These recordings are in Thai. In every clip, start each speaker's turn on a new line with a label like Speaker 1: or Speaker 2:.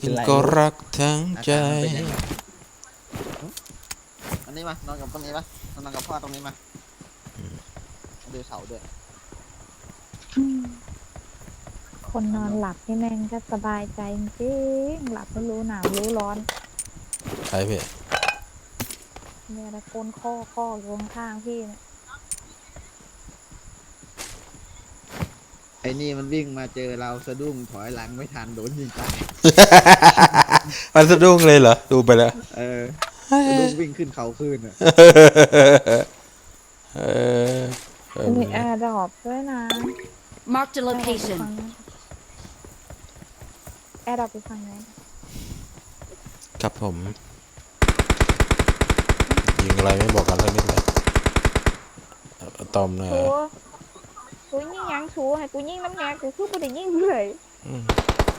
Speaker 1: กินก็รักทั้งใจ
Speaker 2: อันนี้มานอนกับตรงนี้ปะนอนกับพ่อตรงนี้มาดูเสาด้วย
Speaker 3: คนนอนหลับนี่แม่งก็สบายใจจริงหลับไม่รู้หนาวรู้ร้อน
Speaker 1: ใช่พี่
Speaker 3: เนี่ยนะก้นข้ออยู่ข้างๆพี่เนี่ย
Speaker 2: ไอ้นี่มันวิ่งมาเจอเราสะดุ้งถอยหลังไม่ทันโดนยิงตาย
Speaker 1: มันสะดุ้งเลยเหรอ ดูไปแล้ว
Speaker 2: สะดุ้งวิ่งขึ้นเขาขึ้นอ่ะ
Speaker 1: เออ
Speaker 3: มีแอร์ดรอปด้วยนะ
Speaker 4: Marked a location.
Speaker 3: แอร์ดรอปไปฟังไหน
Speaker 1: ครับผม ยิงอะไรไม่บอกกันสักนิดเลยอะตอมนะ
Speaker 3: ชูกูยิงยังชูให้กูยิงน้ำแงกูคือกูได้ยิงเลย
Speaker 1: อืม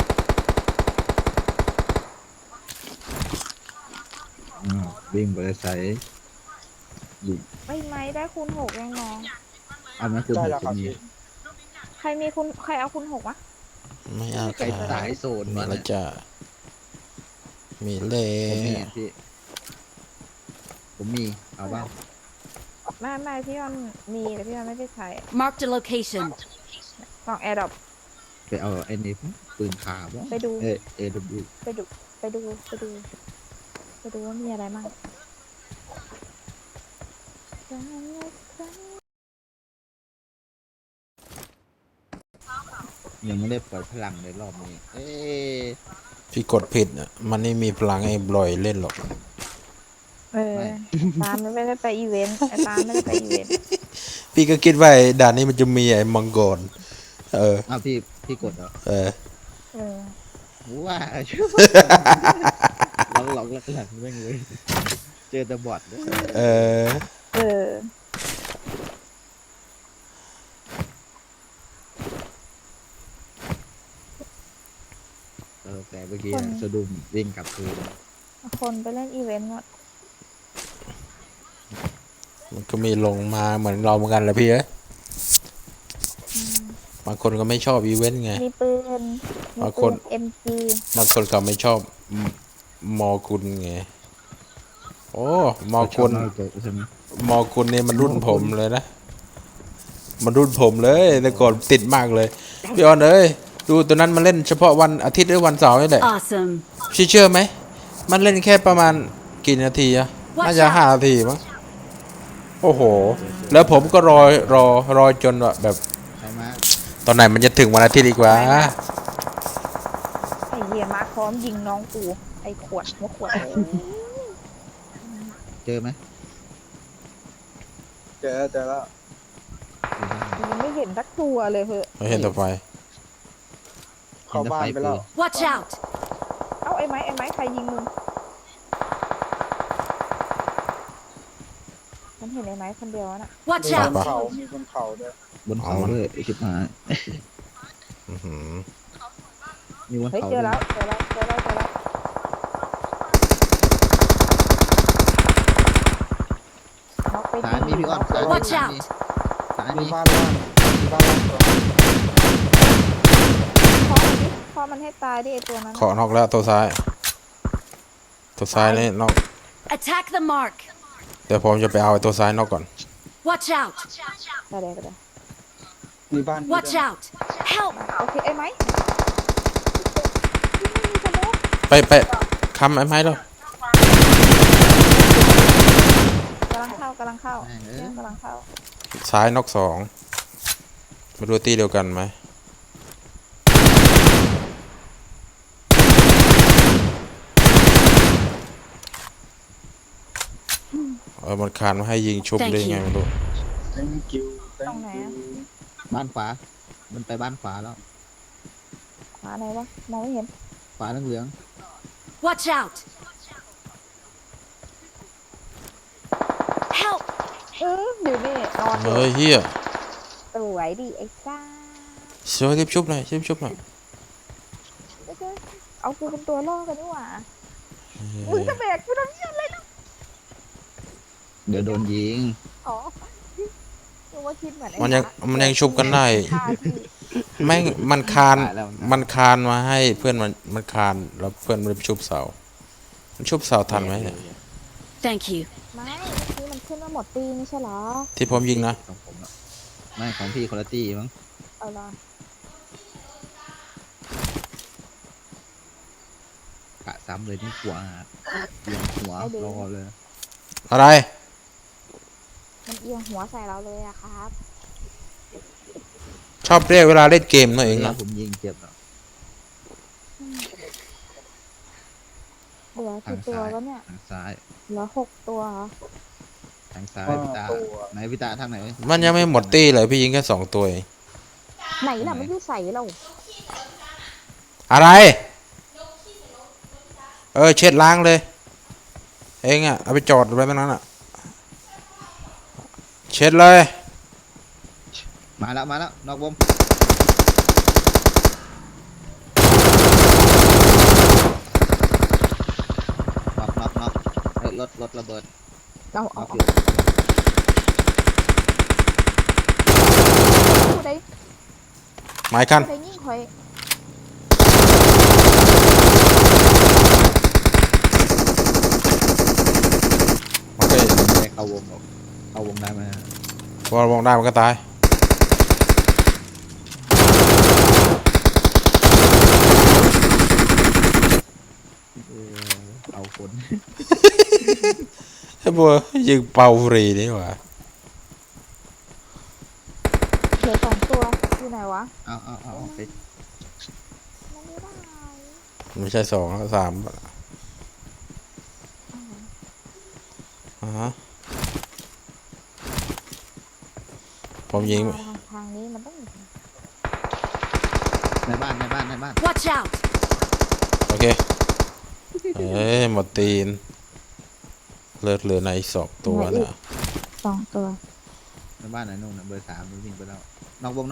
Speaker 2: วิ่งไปใส่ยิง
Speaker 3: ไม่ได้คูณ6ยังน้อง
Speaker 2: เอาไหมคุณหกคนนี้
Speaker 3: ใครเอาคูณ6วะ
Speaker 1: ไม่เอา
Speaker 2: ใคร
Speaker 1: ค่ะ
Speaker 2: สายโซน
Speaker 1: มี
Speaker 2: มา
Speaker 1: แล้วจ้ะมีเล่
Speaker 2: ผมมีพี่ผมมีเอาบ้าง
Speaker 3: ไม่พี่ยอนมีแต่พี่ยอนไม่ได้ใช้
Speaker 4: Marked a location.
Speaker 3: ลองแอร์ดรอป
Speaker 2: ไปเอาไอ้นี่ปืนขาบ้าง
Speaker 3: ไปดู
Speaker 2: เอว
Speaker 3: ไปดูว่ามีอะไรมั่ง
Speaker 2: ยังไม่ได้ปล่อยพลังในรอบนี้
Speaker 1: พี่กดผิดอ่ะ มันไม่มีพลังไอ้บลอยเล่นหรอก
Speaker 3: ตามไม่ได้ไปอีเวนต์ตามไม่ได้ไปอีเวนต์
Speaker 1: พี่ก็คิดว่าไอ้ด่านนี้มันจะมีไอ้มังกร
Speaker 2: อ้าวพี่กดเหรอ ว่าชื่อหลอกหลังแม่งเลยเจอแต่บอทด้วย
Speaker 1: เออ
Speaker 2: แต่เมื่อกี้สะดุ้งวิ่งกลับคืน
Speaker 3: คนไปเล่นอีเวนต์หมด
Speaker 1: มันก็มีลงมาเหมือนเราเหมือนกันแหละพี่เอ้ยบางคนก็ไม่ชอบอีเวนต์ไง
Speaker 3: มีปืน
Speaker 1: บางคน
Speaker 3: MG
Speaker 1: บางคนก็ไม่ชอบมอคุณไง โอ้มอคุณ
Speaker 2: ใช่ไหม
Speaker 1: มอคุณนี่มันรุ่นผมเลยนะ มันรุ่นผมเลยแต่ก่อนติดมากเลยพี่ออนเอ้ยดูตัวนั้นมันเล่นเฉพาะวันอาทิตย์หรือวันเสาร์นี่แหละ
Speaker 4: Awesome.
Speaker 1: พี่เชื่อไหมมันเล่นแค่ประมาณกี่นาทีอะน่าจะ5 นาทีมั้งโอ้โห แล้วผมก็รอจนแบบ
Speaker 2: ใช่ไหม
Speaker 1: ตอนไหนมันจะถึงวันอาทิตย์อีกวะ
Speaker 3: ไอเหี้ยมาพร้อมยิงน้องกูไอขวดหัวขวด
Speaker 2: เจอไหม
Speaker 5: เจอแล้ว
Speaker 3: ยังไม่เห็นสักตัวเลยเหอะ
Speaker 1: ไม่เห็นต่อไป
Speaker 5: เข้าบ้านไปแล้ว
Speaker 4: Watch out.
Speaker 3: เอ้าไอ้ไม้ใครยิงมึงฉันเห็นไอ้ไม้คนเดียวน่ะ
Speaker 4: Watch
Speaker 5: มีบ
Speaker 4: out.
Speaker 5: นเขามีบนเขาด้วย
Speaker 2: บนเขาด้วยไอ้ชิบหาย
Speaker 1: อื้อหือ
Speaker 2: มีบน
Speaker 3: เฮ้ย
Speaker 2: เขา
Speaker 3: เจ
Speaker 2: ด้
Speaker 3: อ
Speaker 2: วย
Speaker 3: แล้วน็อกไป
Speaker 2: สายมีพี่อ้อนสาย
Speaker 4: Watch
Speaker 2: มี
Speaker 4: out
Speaker 2: สาย
Speaker 5: มี
Speaker 2: มี
Speaker 5: บ้านล่างมีบ้านล่างตัว
Speaker 3: พ่อมันให้ตายดิไอตัวนั้น
Speaker 1: เคาะนอกแล้วตัวซ้าย ตัวซ้ายนี่นอก
Speaker 4: Attack the mark.
Speaker 1: เดี๋ยวผมจะไปเอาไอ้ตัวซ้ายนอกก่อน
Speaker 4: Watch out.
Speaker 3: ไปเลย
Speaker 5: มีบ้าน
Speaker 4: Watch out. Help.
Speaker 3: โอเคไอ้ไม้มีสโมก
Speaker 1: ไปค้ำไอ้ไม้แล้ว
Speaker 3: กำลังเข้า
Speaker 2: แม่งเอ้ย
Speaker 3: กำลังเข้า
Speaker 1: ซ้ายนอก2มาดูตีเดียวกันไหมมันคานมาให้ยิงชุบได้ไงไม่รู้
Speaker 5: แตงกิว
Speaker 3: ตรงไหนอะ
Speaker 2: บ้านขวามันไปบ้านขวาแล้ว
Speaker 3: ขวาไหนวะมองไม่เห็น
Speaker 2: ขวาเหลือง
Speaker 4: Watch out. Help.
Speaker 3: อยู่นี่นอนอยู่
Speaker 1: เฮ้ยเฮีย
Speaker 3: สวยดิไอ้ซ่า
Speaker 1: เสือรีบชุบหน่อยรีบชุบหน่อย
Speaker 3: เอากูเป็นตัวล่อกันดีกว่ามึงจะแบกกูทำเหี้ยอะไรล่ะ
Speaker 2: เดี๋ยวโดนยิง
Speaker 3: อ๋อหนูว่าคิดเหมือนไอ้
Speaker 1: มันยังชุบกันได้
Speaker 3: ฆ่าพี่
Speaker 1: แม่งมันคาน
Speaker 2: ตายแล้ว
Speaker 1: มันคานมาให้เพื่อนมันคานแล้วเพื่อนมันไปชุบเสา มันชุบเสาทันไหมเนี่ย
Speaker 4: Thank you.
Speaker 3: ไม่เมื่อกี้มันขึ้นมาหมดตีไม่ใช่เหรอ
Speaker 1: ที่ผมยิงนะ
Speaker 2: ของผมอะไม่ของพี่คนละตี้มั้ง
Speaker 3: เอาล่ะ
Speaker 2: กะซ้ำเลยนี่หัวเอียงหัวรอเลย
Speaker 1: อะไร
Speaker 3: มันเอียงหัวใส่เราเลยอะครับ
Speaker 1: ชอบเรียกเวลาเล่นเกมนั่นเอง
Speaker 2: แล้
Speaker 1: นะ
Speaker 2: วผมยิงเจ็บอะ
Speaker 3: เหลือกี่ตัวแล้วเนี่ย
Speaker 2: ทางซ้าย
Speaker 3: เหลือ6 ตัวเหรอ
Speaker 2: ทางซ้ายพี่ตาไหนพี่ตาทางไหน
Speaker 1: มันยังไม่หมดตี้เลยพี่ยิงแค่2 ตัวเอง
Speaker 3: ไหนล่ะไม่ได้ใส่เรา
Speaker 1: อะไร เช็ดล้างเลย เองอ่ะ เอาไปจอดไว้ตรงนั้นอ่ะ เช็ดเลย
Speaker 2: มาแล้วนอกวงน็อกเฮ้ยรถระเบิด
Speaker 3: เอา
Speaker 2: น็
Speaker 3: เอา
Speaker 2: อก
Speaker 3: เอา
Speaker 2: อยู่
Speaker 3: ผู้ใด
Speaker 1: หมายคัน
Speaker 3: ผู้ใดยิ่งคอย
Speaker 1: โอเค
Speaker 2: ไม่เข้าวงหรอกเข้าวงได้ไหม
Speaker 1: พอมองได้มันก็ตาย
Speaker 2: เอาคน
Speaker 1: ไอ้บัวยิงเป่าฟรีนี่หว่า
Speaker 3: เหลือ2 ตัวอยู่ไหนวะ
Speaker 2: เอาไป
Speaker 3: มันไม่ได้
Speaker 1: ไม่ใช่2แล้ว3อ่าฮะผมยิง
Speaker 3: มาทางนี้มันต้อง
Speaker 2: ในบ้าน
Speaker 4: Watch out!
Speaker 1: โอเค หมดตีน เลือดเหลือใน2 ตัวเนี่ย
Speaker 3: 2 ตัว
Speaker 2: ในบ้านไหนนู่นน่ะเบอร์ 3มันวิ่งไปแล้วนอกวง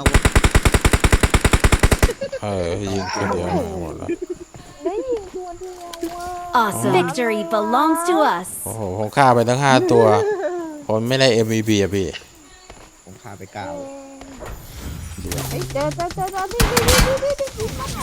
Speaker 1: ยิงคนเดียวหมดแล้ว
Speaker 3: ได้ยิงตัวเดียวว่ะ
Speaker 4: Awesome. Victory belongs to us.
Speaker 1: โอ้โหผมฆ่าไปทั้ง5 ตัว ผมไม่ได้ MVP อ่ะพี่
Speaker 2: ผมพาไปกล่าว
Speaker 3: เฮ้ยเจอนี่มันอะ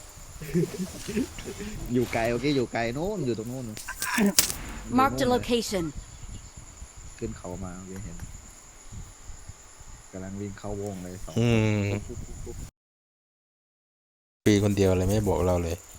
Speaker 2: อยู่ไกลโอเคอยู่ไกลโน้นอยู่ตรงโน้น
Speaker 4: Marked a location.
Speaker 2: ขึ้นเขามาโอเคเห็นกำลังวิ่งเข้าวงเลย2
Speaker 1: อืม ปีคนเดียวเลยไม่บอกเราเลย